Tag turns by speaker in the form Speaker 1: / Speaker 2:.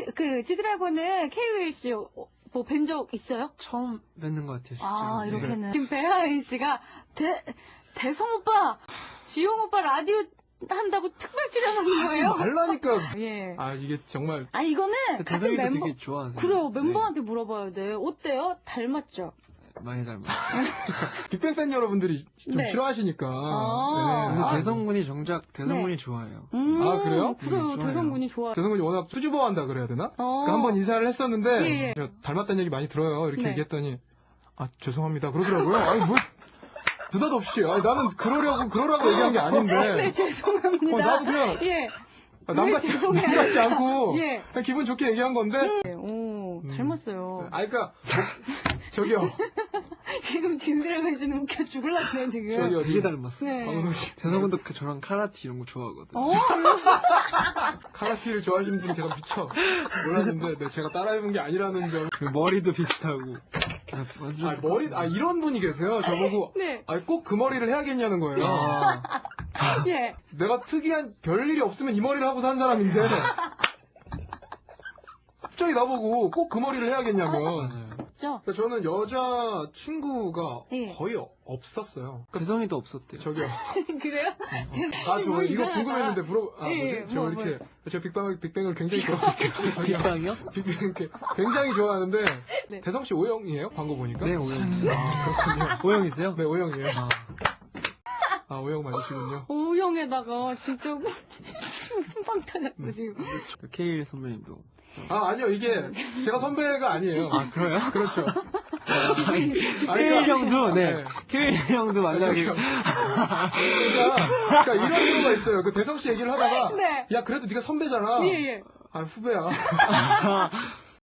Speaker 1: 그 지드래곤은 케이윌 씨 뭐 뵌 적 있어요?
Speaker 2: 처음 뵙는 것 같아요, 실제로.
Speaker 1: 아,
Speaker 2: 네.
Speaker 1: 이렇게는. 지금 배하인 씨가 대성 오빠, 지용 오빠 라디오 한다고 특별 출연하는 거예요?
Speaker 3: 말라니까.
Speaker 1: 예.
Speaker 3: 아, 이게 정말.
Speaker 1: 아니, 이거는 같은
Speaker 2: 대성이도
Speaker 1: 멤버.
Speaker 2: 되게 좋아하세요.
Speaker 1: 그래요, 멤버한테 물어봐야 돼. 어때요? 닮았죠?
Speaker 2: 많이 닮았어요.
Speaker 3: 빅뱅 팬 여러분들이 좀
Speaker 1: 네.
Speaker 3: 싫어하시니까.
Speaker 1: 아.
Speaker 2: 근데
Speaker 3: 네.
Speaker 2: 대성군이 정작 대성군이
Speaker 1: 네.
Speaker 2: 좋아해요.
Speaker 3: 아, 그래요?
Speaker 1: 그래요,
Speaker 2: 좋아요.
Speaker 1: 대성군이 좋아요.
Speaker 3: 대성군이 워낙 수줍어한다 그래야 되나? 그러니까 한번 인사를 했었는데
Speaker 1: 예, 예.
Speaker 3: 제가 닮았다는 얘기 많이 들어요. 이렇게
Speaker 1: 네.
Speaker 3: 얘기했더니 아 죄송합니다 그러더라고요. 아니 뭐 느닷없이 아니 나는 그러라고 얘기한 게 아닌데.
Speaker 1: 네, 죄송합니다.
Speaker 3: 나도 그냥
Speaker 1: 예.
Speaker 3: 남같지 않고
Speaker 1: 예.
Speaker 3: 그냥 기분 좋게 얘기한 건데.
Speaker 1: 네, 오, 닮았어요.
Speaker 3: 아 그러니까 저기요.
Speaker 1: 지금 진드래곤 씨는 웃겨 죽을랐네요, 지금.
Speaker 3: 저기요.
Speaker 2: 되게 닮았어요.
Speaker 1: 네.
Speaker 3: 방송 씨.
Speaker 2: 대성군도 저랑 카라티 이런 거 좋아하거든요.
Speaker 3: 카라티를 좋아하시는 분이 제가 미쳐 몰랐는데 네, 제가 따라해본 게 아니라는 점.
Speaker 2: 그 머리도 비슷하고. 완전
Speaker 3: 이런 분이 계세요. 저보고
Speaker 1: 네.
Speaker 3: 꼭 그 머리를 해야겠냐는 거예요.
Speaker 1: 예.
Speaker 3: 내가 특이한 별일이 없으면 이 머리를 하고 산 사람인데 갑자기 나보고 꼭 그 머리를 해야겠냐면.
Speaker 2: 맞아요.
Speaker 1: 죠?
Speaker 3: 그러니까 저는 여자 친구가
Speaker 1: 예.
Speaker 3: 거의 없었어요.
Speaker 2: 대성이도 없었대요.
Speaker 3: 저기요.
Speaker 1: 그래요?
Speaker 3: 아, 저
Speaker 1: 뭐
Speaker 3: 이거
Speaker 1: 이상하다.
Speaker 3: 궁금했는데
Speaker 1: 예,
Speaker 3: 뭐지? 저
Speaker 1: 뭐,
Speaker 3: 이렇게 저 빅뱅을 굉장히 좋아해요. 저기요.
Speaker 2: 빅방이요?
Speaker 3: 빅뱅 이렇게 굉장히 좋아하는데
Speaker 1: 네.
Speaker 3: 대성 씨 O형이에요? 광고 보니까?
Speaker 2: 네, 오영이요.
Speaker 3: 그렇군요.
Speaker 2: 오영이세요?
Speaker 3: 네, O형이에요.
Speaker 2: 아,
Speaker 3: 아, O형 맞으시군요.
Speaker 1: O형에다가 진짜 무슨 빵 터졌어, 지금.
Speaker 2: 케일 선배님도.
Speaker 3: 아, 아니요. 이게 제가 선배가 아니에요.
Speaker 2: 아, 그래요?
Speaker 3: 그렇죠.
Speaker 2: 케일 형도, 네.
Speaker 3: 네.
Speaker 2: 케일 형도 만나기.
Speaker 3: 그러니까 이런 경우가 있어요. 그 대성 씨 얘기를 하다가
Speaker 1: 네.
Speaker 3: 야, 그래도 네가 선배잖아.
Speaker 1: 예, 예.
Speaker 3: 아, 후배야.